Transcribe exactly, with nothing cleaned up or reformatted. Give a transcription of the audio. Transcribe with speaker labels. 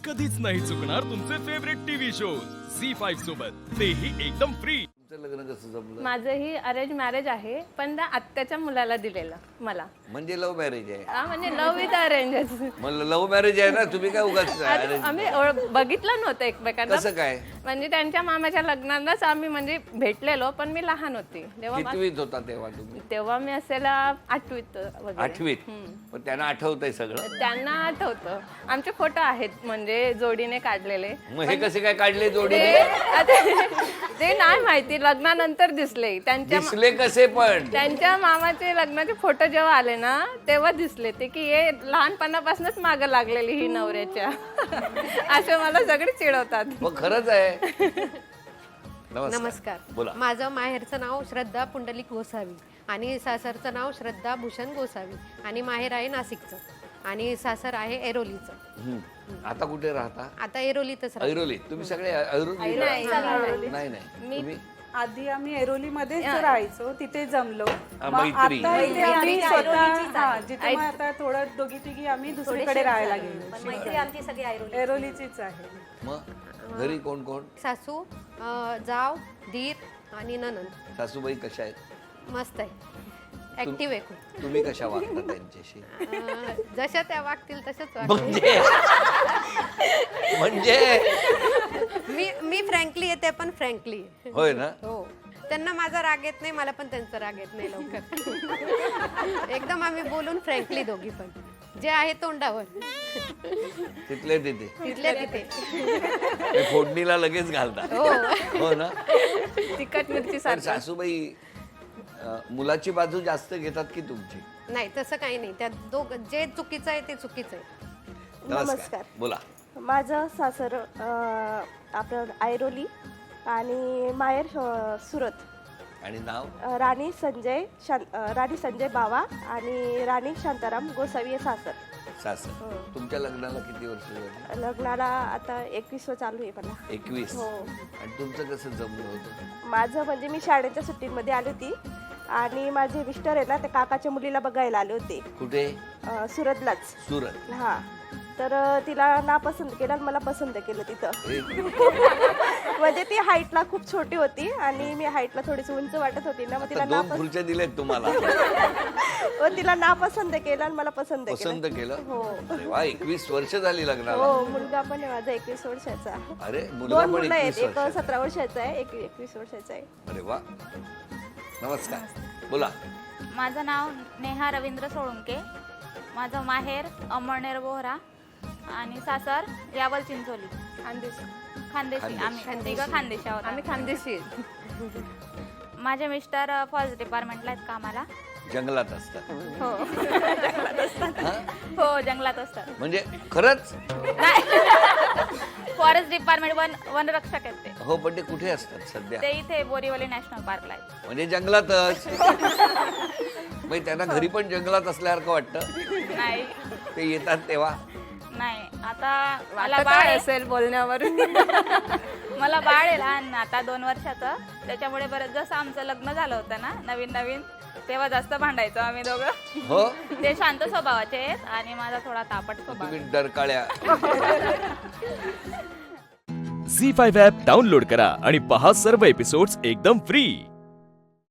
Speaker 1: कधीच नाही चुकणार तुमचे favourite TV shows Zee five सोबत, तेही एकदम फ्री.
Speaker 2: लग्न कसं जमलं?
Speaker 3: माझंही अरेंज मॅरेज आहे, पण त्या आत्याच्या मुलाला दिलेलं मला.
Speaker 2: म्हणजे लव्ह मॅरेज आहे?
Speaker 3: हा, म्हणजे लव्ह विथ अरेंज.
Speaker 2: मला लव्ह मॅरेज आहे ना, तुम्ही काय उगाच arrange-
Speaker 3: आम्ही ओळख- बघितलं नव्हतं एकमेकांना.
Speaker 2: कसं काय?
Speaker 3: म्हणजे त्यांच्या मामाच्या लग्नालाच आम्ही म्हणजे भेटलेलो, पण मी लहान होती तेव्हा. मा-
Speaker 2: कितवीत होता तेव्हा तुम्ही?
Speaker 3: तेव्हा मी असेल आठवीत वगैरे.
Speaker 2: आठवीत. पण त्यांना आठवतंय सगळं?
Speaker 3: त्यांना आठवतं. आमचे फोटो आहेत म्हणजे जोडीने काढलेले.
Speaker 2: मग हे कसे काय काढले जोडी?
Speaker 3: ते आता- ते नाही माहिती, लग्नानंतर दिसले त्यांच्या.
Speaker 2: दिसले कसे पण?
Speaker 3: त्यांच्या मामाचे लग्नाचे फोटो जेव्हा आले ना, तेव्हा दिसले ते की हे लहानपणापासूनच मागं लागलेली ही नवऱ्याच्या. असे मला सगळे चिडवतात.
Speaker 2: मग खरंच आहे. नमस्कार.
Speaker 4: नमस्कार.
Speaker 2: बोला.
Speaker 4: माझं माहेरचं नाव श्रद्धा पुंडलिक गोसावी आणि सासरचं नाव श्रद्धा भूषण गोसावी आणि माहेर आहे नाशिकचं आणि सासर आहे ऐरोलीचं.
Speaker 2: हम्म. आता कुठे राहता?
Speaker 4: आता ऐरोलीतच राहतो.
Speaker 2: ऐरोली. तुम्ही सगळे ऐरोली?
Speaker 3: नाही,
Speaker 2: नाही नाही तुम्ही
Speaker 5: आधी आम्ही ऐरोलीमध्येच राहायचो, तिथे जमलो.
Speaker 2: हा,
Speaker 5: मग
Speaker 2: मैत्री.
Speaker 5: आता इथे आम्ही
Speaker 6: मैत्री
Speaker 5: स्वतः
Speaker 6: ऐरोलीचीच आहे.
Speaker 5: हा, जिथे मग आता थोडं दोघी तिघी आम्ही दुसरीकडे राहायला गेलो.
Speaker 6: मैत्री आमची सगळी ऐरोली.
Speaker 5: ऐरोलीचीच आहे.
Speaker 2: मग घरी कोण कोण?
Speaker 4: सासू अं, जाव दीर आणि ननंद.
Speaker 2: सासूबाई कशा आहेत?
Speaker 4: मस्त आहे, ऍक्टिव्ह आहे खूप.
Speaker 2: तुम्ही कशा वागता त्यांच्याशी?
Speaker 4: अं, जशा त्या वागतील तशाच वागतील.
Speaker 2: म्हणजे म्हणजे
Speaker 4: मी मी फ्रँकली येते पण फ्रँकली.
Speaker 2: होय ना?
Speaker 4: हो, त्यांना माझा राग येत नाही, मला पण त्यांचा राग येत नाही लवकर. एकदम आम्ही बोलून फ्रँकली दोघी पण, जे आहे तोंडावर
Speaker 2: तिथले तिथे
Speaker 4: तिथल्या तिथे.
Speaker 2: हे फोडणीला लगेच घालता.
Speaker 4: हो.
Speaker 2: हो ना?
Speaker 3: तिखट मिरची
Speaker 2: पण
Speaker 3: सारखं.
Speaker 2: सासूबाई अं, मुलाची बाजू जास्त घेतात की तुमची?
Speaker 4: नाही, तसं काही नाही. त्यात दोघ जे चुकीचं आहे ते चुकीचं आहे.
Speaker 2: नमस्कार. बोला.
Speaker 7: माझं सासर अ, आपलं ऐरोली आणि माहेर अ, सुरत.
Speaker 2: आणि नाव?
Speaker 7: अ, राणी संजय शां अ, राणी संजय बावा आणि राणी शांताराम गोसावी हे सासर.
Speaker 2: सासर. तुमच्या लग्नाला किती वर्ष झाली?
Speaker 7: लग्नाला आता एकवीस चालू आहे मला.
Speaker 2: एकवीस.
Speaker 7: हो.
Speaker 2: आणि तुमचं कसं जमलं होतं?
Speaker 7: माझं म्हणजे मी शाळेच्या सुट्टीमध्ये आली होती आणि माझे मिस्टर आहे ना, त्या काकाच्या मुलीला बघायला आले होते.
Speaker 2: कुठे?
Speaker 7: अ, सुरतलाच.
Speaker 2: सुरत.
Speaker 7: हा, तर अ, तिला नापसंत केलं आणि मला पसंत केलं तिथं. म्हणजे ती हाईटला खूप छोटी होती आणि मी हाईटला थोडीशी उंच वाटत होती ना, मग तिला
Speaker 2: आता दोन
Speaker 7: नापसंत
Speaker 2: खुर्च्या दिलेत तुम्हाला.
Speaker 7: मग तिला नापसंत केलं आणि मला पसंत
Speaker 2: पसंत
Speaker 7: केलं.
Speaker 2: केलं?
Speaker 7: हो.
Speaker 2: अरे वा, एकवीस वर्ष झाली लग्नाला.
Speaker 7: हो, मुलगा पण आहे माझा एकवीस वर्षाचा.
Speaker 2: अरे मुलगा
Speaker 7: दोन
Speaker 2: पण
Speaker 7: मुलं आहेत,
Speaker 2: एकवीस
Speaker 7: एक
Speaker 2: वर्ष.
Speaker 7: सतरा वर्षाचा आहे, एक एकवीस वर्षाचा आहे.
Speaker 2: अरे वा. नमस्कार. बोला.
Speaker 8: माझं नाव नेहा रवींद्र सोळुंके. माझं माहेर अमळनेर बोहरा आणि सासर यावल चिंचोली.
Speaker 3: खानदेशी.
Speaker 8: खानदेशी. आम्ही तिघं खानदेशी आहोत.
Speaker 3: आम्ही खानदेशी.
Speaker 8: माझे मिस्टर फॉरेस्ट डिपार्टमेंटला आहेत कामाला.
Speaker 2: जंगलात असतात?
Speaker 8: हो.
Speaker 2: हा?
Speaker 8: हो, जंगलात असतात.
Speaker 2: म्हणजे खरंच?
Speaker 8: फॉरेस्ट डिपार्टमेंट वन वनरक्षक आहेत ते.
Speaker 2: हो, पण ते कुठे असतात सध्या?
Speaker 8: ते इथे बोरीवली नॅशनल पार्कला आहेत.
Speaker 2: म्हणजे जंगलातच. मग त्यांना घरी पण जंगलात असल्यासारखं वाटतं?
Speaker 8: नाही
Speaker 2: ते येतात तेव्हा?
Speaker 8: नाही, आता मला
Speaker 3: वाटत
Speaker 8: बाळ
Speaker 3: काय
Speaker 8: आहे.
Speaker 3: असेल बोलण्यावरून.
Speaker 8: मला बाळ आहे लहान आता दोन वर्षाचं, त्याच्यामुळे बरं जसं आमचं लग्न झालं होतं ना नवीन नवीन, तेव्हा जास्त भांडायचो आम्ही दोघं.
Speaker 2: हो.
Speaker 8: ते शांत स्वभावाचे आहेत आणि माझा थोडा तापट स्वभाव.
Speaker 2: तुम्ही डरकाळ्या.
Speaker 1: झी फाईव्ह ॲप डाउनलोड करा आणि पहा सर्व एपिसोड्स एकदम फ्री.